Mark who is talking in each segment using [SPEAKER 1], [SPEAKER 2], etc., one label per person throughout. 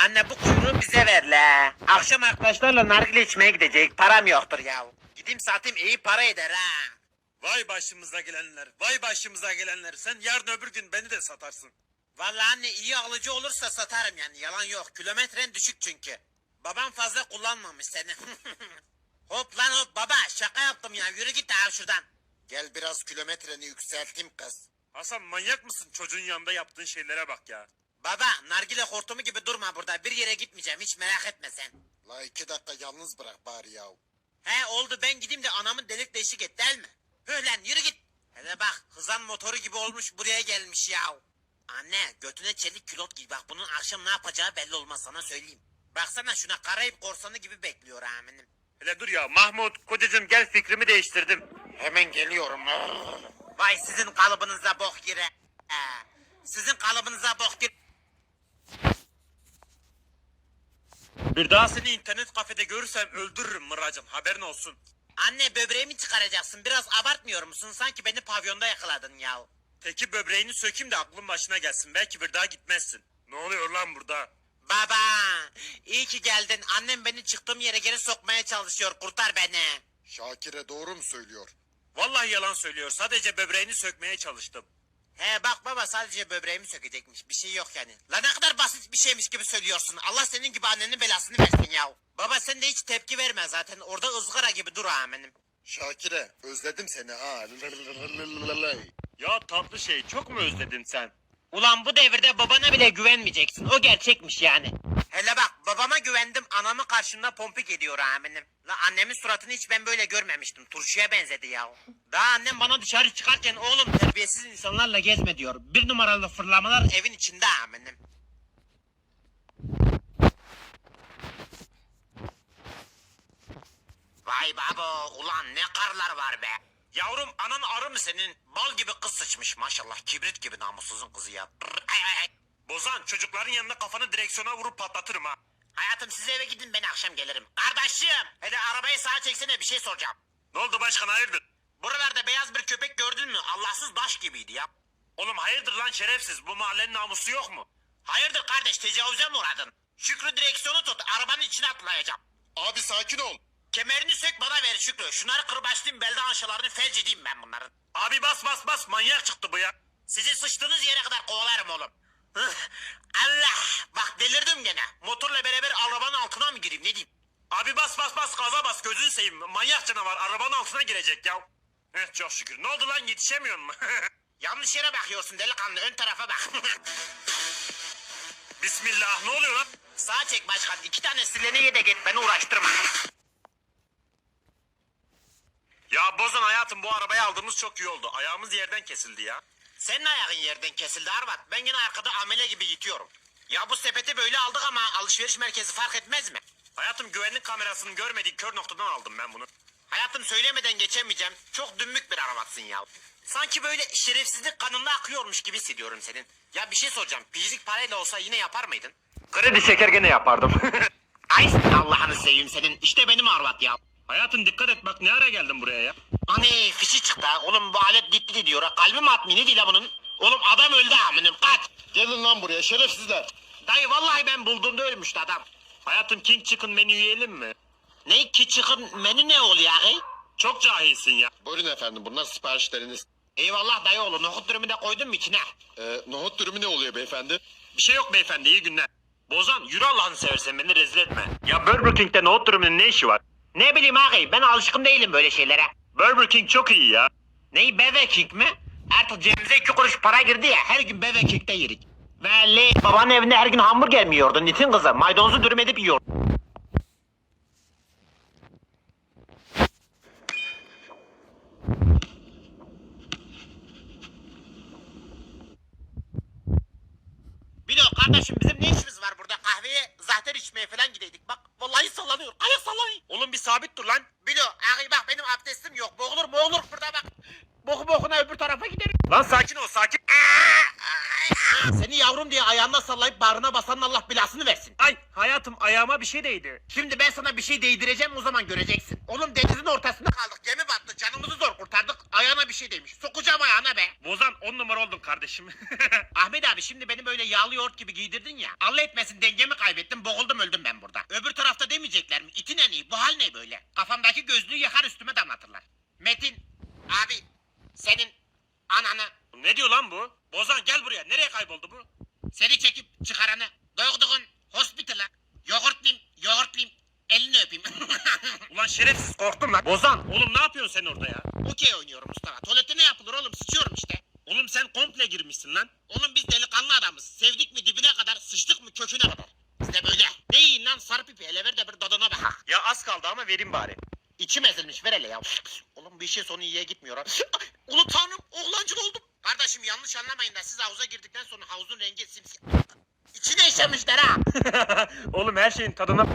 [SPEAKER 1] Anne bu kuyruğu bize ver la. Akşam arkadaşlarla nargile içmeye gidecek. Param yoktur ya. Gideyim satayım iyi para eder ha.
[SPEAKER 2] Vay başımıza gelenler, vay başımıza gelenler. Sen yarın öbür gün beni de satarsın.
[SPEAKER 1] Vallahi anne iyi alıcı olursa satarım yani yalan yok. Kilometren düşük çünkü. Babam fazla kullanmamış seni. Hop lan hop baba şaka yaptım ya yürü git abi şuradan. Gel biraz kilometreni yükselteyim kız.
[SPEAKER 2] Hasan manyak mısın? Çocuğun yanında yaptığın şeylere bak ya.
[SPEAKER 1] Baba nargile hortumu gibi durma burada bir yere gitmeyeceğim hiç merak etme sen.
[SPEAKER 3] La 2 dakika yalnız bırak bari ya.
[SPEAKER 1] He oldu ben gideyim de anamın delik deşik et değil mi? Hı lan yürü git. Hele bak hızan motoru gibi olmuş buraya gelmiş ya. Anne götüne çelik külot giy bak bunun akşam ne yapacağı belli olmaz sana söyleyeyim. Baksana şuna Karayip korsanı gibi bekliyor aminim.
[SPEAKER 2] Hele dur ya Mahmut, kocacığım gel fikrimi değiştirdim.
[SPEAKER 3] Hemen geliyorum.
[SPEAKER 1] Vay sizin kalıbınıza bok gire. Sizin kalıbınıza bok gire.
[SPEAKER 2] Bir daha seni internet kafede görürsem öldürürüm Mıracım, haberin olsun.
[SPEAKER 1] Anne böbreğimi çıkaracaksın biraz abartmıyor musun? Sanki beni pavyonda yakaladın ya.
[SPEAKER 2] Teki böbreğini sökeyim de aklın başına gelsin, belki bir daha gitmezsin. Ne oluyor lan burada?
[SPEAKER 1] Baba iyi ki geldin. Annem beni çıktığım yere geri sokmaya çalışıyor. Kurtar beni.
[SPEAKER 3] Şakir'e doğru mu söylüyor?
[SPEAKER 2] Vallahi yalan söylüyor, sadece böbreğini sökmeye çalıştım.
[SPEAKER 1] He bak baba sadece böbreğimi sökecekmiş. Bir şey yok yani. La ne kadar basit bir şeymiş gibi söylüyorsun. Allah senin gibi annenin belasını versin ya. Baba sen de hiç tepki verme zaten. Orada ızgara gibi dur amenim.
[SPEAKER 3] Şakir'e özledim seni ha.
[SPEAKER 2] Ya tatlı şey, çok mu özledin sen?
[SPEAKER 1] Ulan bu devirde babana bile güvenmeyeceksin. O gerçekmiş yani. Hele bak babama güvendim. Anamı karşımda pompik ediyor amenim. La annemin suratını hiç ben böyle görmemiştim. Turşuya benzedi ya. Daha annem bana dışarı çıkarken oğlum terbiyesiz insanlarla gezme diyor. Bir numaralı fırlamalar evin içinde amenim. Vay baba ulan ne karlar var be. Yavrum anan arı mı senin? Bal gibi kız sıçmış maşallah. Kibrit gibi namussuzun kızı ya. Ay.
[SPEAKER 2] Bozan, çocukların yanında kafanı direksiyona vurup patlatırım ha.
[SPEAKER 1] Hayatım siz eve gidin ben akşam gelirim. Kardeşim hele arabayı sağa çeksene bir şey soracağım.
[SPEAKER 2] Ne oldu başkan, hayırdır?
[SPEAKER 1] Buralarda beyaz bir köpek gördün mü? Allahsız baş gibiydi ya.
[SPEAKER 2] Oğlum hayırdır lan şerefsiz, bu mahallenin namusu yok mu?
[SPEAKER 1] Hayırdır kardeş tecavüze mi uğradın? Şükrü direksiyonu tut arabanın içine atlayacağım.
[SPEAKER 3] Abi sakin ol.
[SPEAKER 1] Kemerini sök bana ver Şükrü. Şunları kırbaçlayayım belden aşağılarını felç edeyim ben bunların.
[SPEAKER 2] Abi bas, manyak çıktı bu ya.
[SPEAKER 1] Sizi sıçtığınız yere kadar kovalarım oğlum. Allah bak delirdim gene. Motorla beraber arabanın altına mı gireyim ne diyeyim?
[SPEAKER 2] Abi bas, gaza bas, gözünü seveyim. Manyak canavar arabanın altına girecek ya. Çok şükür. Ne oldu lan, yetişemiyor mu?
[SPEAKER 1] Yanlış yere bakıyorsun delikanlı ön tarafa bak.
[SPEAKER 2] Bismillah, ne oluyor lan?
[SPEAKER 1] Sağa çek başkan 2 tane sileni ye de git beni uğraştırma.
[SPEAKER 2] Ya Bozan hayatım, bu arabayı aldığımız çok iyi oldu. Ayağımız yerden kesildi ya.
[SPEAKER 1] Senin ayağın yerden kesildi Arvat. Ben yine arkada amele gibi yitiyorum. Ya bu sepeti böyle aldık ama alışveriş merkezi fark etmez mi?
[SPEAKER 2] Hayatım güvenlik kamerasının görmediği kör noktadan aldım ben bunu.
[SPEAKER 1] Hayatım söylemeden geçemeyeceğim. Çok dümbük bir aravatsın ya. Sanki böyle şerefsizlik kanında akıyormuş gibi hissediyorum senin. Ya bir şey soracağım. Pijlik parayla olsa yine yapar mıydın?
[SPEAKER 2] Kredi çeker gene yapardım.
[SPEAKER 1] Ay Allah'ını seveyim senin. İşte benim Arvat ya.
[SPEAKER 2] Hayatım dikkat et, bak ne ara geldin buraya ya.
[SPEAKER 1] Hani fişi çıktı ha. Oğlum bu alet gitti diyor ha. Kalbim atmıyor ne değil ha bunun. Oğlum adam öldü aminim kaç.
[SPEAKER 3] Gelin lan buraya şerefsizler.
[SPEAKER 1] Dayı vallahi ben bulduğumda ölmüştü adam.
[SPEAKER 2] Hayatım King Chicken menü yiyelim mi?
[SPEAKER 1] Ne ki çıkın menü ne oluyor ya?
[SPEAKER 2] Çok cahilsin ya.
[SPEAKER 3] Buyurun efendim bunlar siparişleriniz.
[SPEAKER 1] Eyvallah dayı oğlu nohut dürümü de koydun mu içine?
[SPEAKER 3] Nohut dürümü ne oluyor beyefendi?
[SPEAKER 2] Bir şey yok beyefendi, iyi günler. Bozan yürü Allah'ını seversen, beni rezil etme. Ya Burger King'de nohut dürümünün ne işi var?
[SPEAKER 1] Ne bileyim ağabey ben alışkın değilim böyle şeylere.
[SPEAKER 2] Burger King çok iyi ya.
[SPEAKER 1] Neyi Bebe King mi? Artık cebimize 2 kuruş para girdi ya her gün Bebe King'de yedik. Belli. Babanın evinde her gün hamburger mi yiyordun Nitin kızı? Maydanozu dürüm edip yiyordun. Bilo kardeşim bizim ne işimiz var burada kahveye zahter içmeye falan gideydik bak vallahi sallanıyor ayak sallanıyor.
[SPEAKER 2] Oğlum bir sabit dur lan.
[SPEAKER 1] Bilo ağabey bak benim abdestim yok boğulur burada bak. Boku bokuna öbür tarafa giderim.
[SPEAKER 2] Lan sakin ol, sakin.
[SPEAKER 1] Seni yavrum diye ayağına sallayıp bağrına basanın Allah belasını versin.
[SPEAKER 2] Ay hayatım ayağıma bir şey değdi.
[SPEAKER 1] Şimdi ben sana bir şey değdireceğim, o zaman göreceksin. Oğlum denizin ortasında kaldık, gemi battı, canımızı zor kurtardık. Ayağına bir şey değmiş. Sokacağım ayağına be.
[SPEAKER 2] Bozan 10 numara oldun kardeşim.
[SPEAKER 1] Ahmet abi, şimdi beni böyle yağlı yoğurt gibi giydirdin ya. Allah etmesin, dengemi kaybettim, boğuldum, öldüm ben burada. Öbür tarafta demeyecekler mi? İtin en iyi, bu hal ne böyle? Kafamdaki gözlüğü yakar üstüme damlatırlar. Metin abi, senin ananı,
[SPEAKER 2] Ne diyor lan bu? Bozan gel buraya. Nereye kayboldu bu?
[SPEAKER 1] seni çekip çıkaranı, doğduğun hospital'a yoğurtlayayım, elini öpeyim.
[SPEAKER 2] Ulan şerefsiz korktum lan. Bozan oğlum ne yapıyorsun sen orada ya?
[SPEAKER 1] Okey oynuyorum Mustafa. Tuvalete ne yapılır oğlum, sıçıyorum işte.
[SPEAKER 2] Oğlum sen komple girmişsin lan.
[SPEAKER 1] Oğlum biz delikanlı adamız. Sevdik mi dibine kadar, sıçtık mı köküne kadar. İşte böyle. Ne yiyin lan sarı pipi, hele ver de bir dadına bak.
[SPEAKER 2] Ya az kaldı ama vereyim bari.
[SPEAKER 1] İçim ezilmiş, ver hele ya. Oğlum bir işin sonu iyiye gitmiyor ha. Ulu tanrım, oğlancıl oldum. Kardeşim yanlış anlamayın da siz havuza girdikten sonra havuzun rengi simsiyah. İçine işemişler ha.
[SPEAKER 2] Oğlum her şeyin tadına...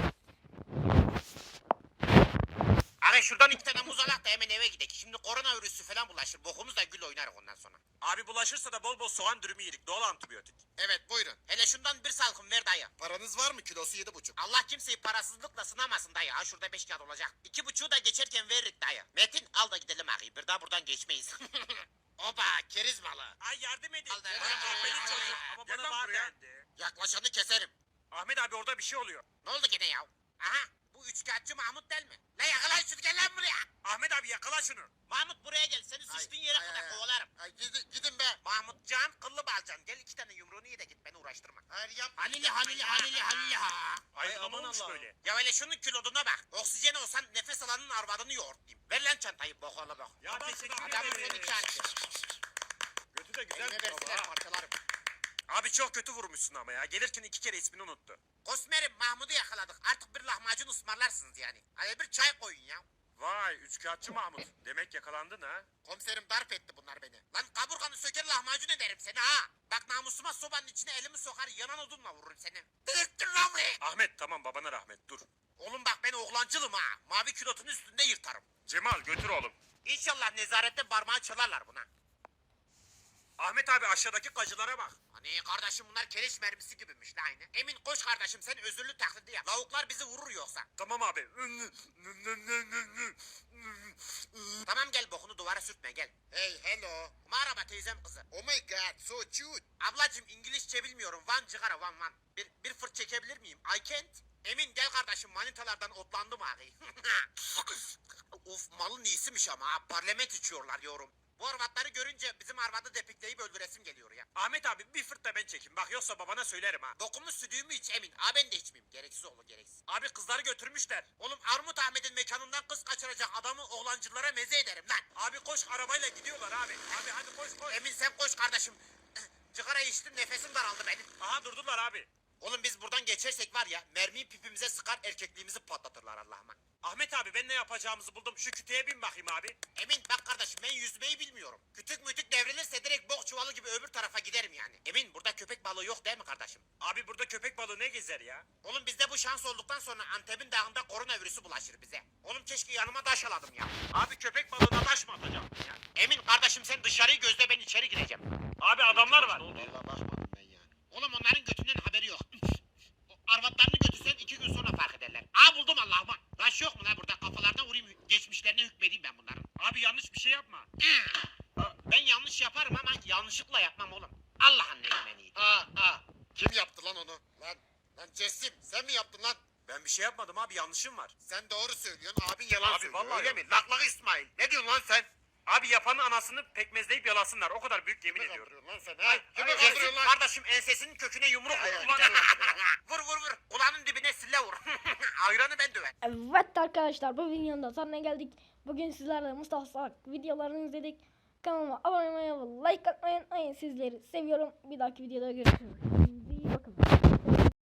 [SPEAKER 1] Abi şuradan 2 tane muz alak da hemen eve gidelim. Şimdi koronavirüsü falan bulaşır. Bokumuz da gül oynar ondan sonra.
[SPEAKER 2] Abi bulaşırsa da bol bol soğan dürümü yedik. Doğal antibiyotik.
[SPEAKER 1] Evet buyurun. Hele şundan bir salkım ver dayı.
[SPEAKER 3] Paranız var mı? Kilosu 7,5.
[SPEAKER 1] Allah kimseyi parasızlıkla sınamasın dayı. Ha şurada 5 kağıt olacak. 2,5'u da geçerken veririk dayı. Metin al da gidelim ağabey. Bir daha buradan geçmeyiz. Oba keriz malı.
[SPEAKER 2] Ay yardım edin.
[SPEAKER 1] Al da-
[SPEAKER 2] Benim çocuğum. Ama
[SPEAKER 3] Gel
[SPEAKER 2] bana
[SPEAKER 3] lan
[SPEAKER 2] var
[SPEAKER 3] buraya.
[SPEAKER 2] dendi.
[SPEAKER 1] Yaklaşanı keserim.
[SPEAKER 2] Ahmet abi orada bir şey oluyor.
[SPEAKER 1] Ne oldu gene ya? Aha bu üçkağıtçı Mahmut değil mi? La yakala şunu, gel lan buraya.
[SPEAKER 2] Ahmet abi yakala şunu.
[SPEAKER 1] Mahmut buraya gel. Seni sıçtığın yere kadar kovalarım.
[SPEAKER 3] Gidin be.
[SPEAKER 1] Mahmutcan kıllı balcan. Gel 2 tane yumruğunu ye de git, beni uğraştırma.
[SPEAKER 3] Hayır yapma.
[SPEAKER 1] Halili ha.
[SPEAKER 2] Ay
[SPEAKER 3] aman
[SPEAKER 2] aman olmuş
[SPEAKER 3] Allah'ım.
[SPEAKER 2] böyle.
[SPEAKER 1] Ya öyle şunun kiloduna bak. Oksijen olsan nefes alanın arvadını yoğurtlayayım. Ver lan çantayı, bokala bak.
[SPEAKER 2] Ya teşekkür
[SPEAKER 1] Adamın
[SPEAKER 2] ederim.
[SPEAKER 1] seni çarptı.
[SPEAKER 2] Götü de güzel
[SPEAKER 1] Elime
[SPEAKER 2] bir baba.
[SPEAKER 1] versinler parçalarım.
[SPEAKER 2] Abi çok kötü vurmuşsun ama ya. Gelirken 2 kere ismini unuttu.
[SPEAKER 1] Kosmerim Mahmut'u yakaladık. Artık bir lahmacun ısmarlarsınız yani. Hadi bir çay koyun ya.
[SPEAKER 2] Vay üçkağıtçı Mahmut. Demek yakalandın ha.
[SPEAKER 1] Komiserim darp etti bunlar beni. Lan kaburganı söker lahmacun ederim seni ha. Bak namusuma sobanın içine elimi sokar, yanan odunla vururum seni. Delirttin lan beni.
[SPEAKER 2] Ahmet tamam babana rahmet dur.
[SPEAKER 1] Oğlum bak ben oğlancılım ha. Mavi külotun üstünde yırtarım.
[SPEAKER 2] Cemal götür oğlum.
[SPEAKER 1] İnşallah nezarette parmağı çalarlar buna.
[SPEAKER 2] Ahmet abi aşağıdaki kacılara bak.
[SPEAKER 1] Hani kardeşim bunlar keleş mermisi gibiymiş la aynı. Emin koş kardeşim, sen özürlü taklidi yap. Lavuklar bizi vurur yoksa.
[SPEAKER 2] Tamam abi.
[SPEAKER 1] Tamam gel, bokunu duvara sürtme gel.
[SPEAKER 3] Hey hello.
[SPEAKER 1] Merhaba teyzem kızı.
[SPEAKER 3] Oh my god so cute.
[SPEAKER 1] Ablacım İngilizce bilmiyorum. Van cigara van. Bir fırt çekebilir miyim? I can't. Emin gel kardeşim, manitalardan otlandım abi. Of malın iyisiymiş ama ha. Parlament içiyorlar yorum. Bu arvatları görünce bizim arvadı depikleyip öldüresim geliyor ya.
[SPEAKER 2] Ahmet abi bir fırt da ben çekeyim. Bak yoksa babana söylerim ha.
[SPEAKER 1] Dokunmuş sütümü iç Emin. Ha ben de içmeyeyim. Gereksiz oğlu gereksiz.
[SPEAKER 2] Abi kızları götürmüşler.
[SPEAKER 1] Oğlum Armut Ahmet'in mekanından kız kaçıracak adamı oğlancılara meze ederim lan.
[SPEAKER 2] Abi koş arabayla gidiyorlar abi. Abi hadi koş koş.
[SPEAKER 1] Emin sen koş kardeşim. Cigara içtim, nefesim daraldı benim.
[SPEAKER 2] Aha durdular abi.
[SPEAKER 1] Oğlum biz buradan geçersek var ya, mermiyi pipimize sıkar, erkekliğimizi patlatırlar Allah'ıma.
[SPEAKER 2] Ahmet abi ben ne yapacağımızı buldum. Şu kütüğe bin bakayım abi.
[SPEAKER 1] Emin bak kardeşim, ben yüzmeyi bilmiyorum. Kütük mütük devrilirse direkt bok çuvalı gibi öbür tarafa giderim yani. Emin burada köpek balığı yok değil mi kardeşim?
[SPEAKER 2] Abi burada köpek balığı ne gezer ya?
[SPEAKER 1] Oğlum bizde bu şans olduktan sonra Antep'in dağında koronavirüsü bulaşır bize. Oğlum keşke yanıma taş aladım ya.
[SPEAKER 2] Abi köpek balığına taş mı atacağım ya?
[SPEAKER 1] Emin kardeşim sen dışarıyı gözle, ben içeri gireceğim.
[SPEAKER 2] Abi adamlar var.
[SPEAKER 3] Vallahi bakmadım ben yani.
[SPEAKER 1] Oğlum onların götünden haberi yok. O arvatlarını götürsen 2 gün sonra fark ederler. Aa buldum Allah'ıma. Taş yok mu lan burada, kafalarına vurayım, geçmişlerine hükmedeyim ben bunların.
[SPEAKER 2] Abi yanlış bir şey yapma.
[SPEAKER 1] Ben yanlış yaparım ama yanlışlıkla yapmam oğlum. Allah'ın neyimeni.
[SPEAKER 3] Kim yaptı lan onu? Lan Cesim sen mi yaptın lan?
[SPEAKER 2] Ben bir şey yapmadım abi yanlışım var.
[SPEAKER 3] Sen doğru söylüyorsun. Abin yalan
[SPEAKER 2] Abi
[SPEAKER 3] söylüyor.
[SPEAKER 2] vallahi
[SPEAKER 3] öyle
[SPEAKER 2] yok.
[SPEAKER 3] mi? Laklak İsmail. Ne diyorsun lan sen?
[SPEAKER 2] Abi yapanın anasını pekmezleyip yalasınlar. O kadar büyük yemin
[SPEAKER 3] Ne
[SPEAKER 2] ediyorum.
[SPEAKER 3] kandırıyorsun lan sen ha? Kimi
[SPEAKER 2] ay,
[SPEAKER 3] kandırıyorsun lan?
[SPEAKER 1] Kardeşim ensesinin köküne yumruk
[SPEAKER 3] Ay,
[SPEAKER 1] vur.
[SPEAKER 3] ay,
[SPEAKER 1] Ulan-
[SPEAKER 3] gel lan
[SPEAKER 1] Vur vur vur. Kulağının dibine sille vur. Ayranı ben döver.
[SPEAKER 4] Evet arkadaşlar, bu videonun da sonuna geldik. Bugün sizlerle Mustafa Salak videolarını izledik. Kanalıma abone olmayı ve like atmayı unutmayın. Sizleri seviyorum. Bir dahaki videoda görüşürüz.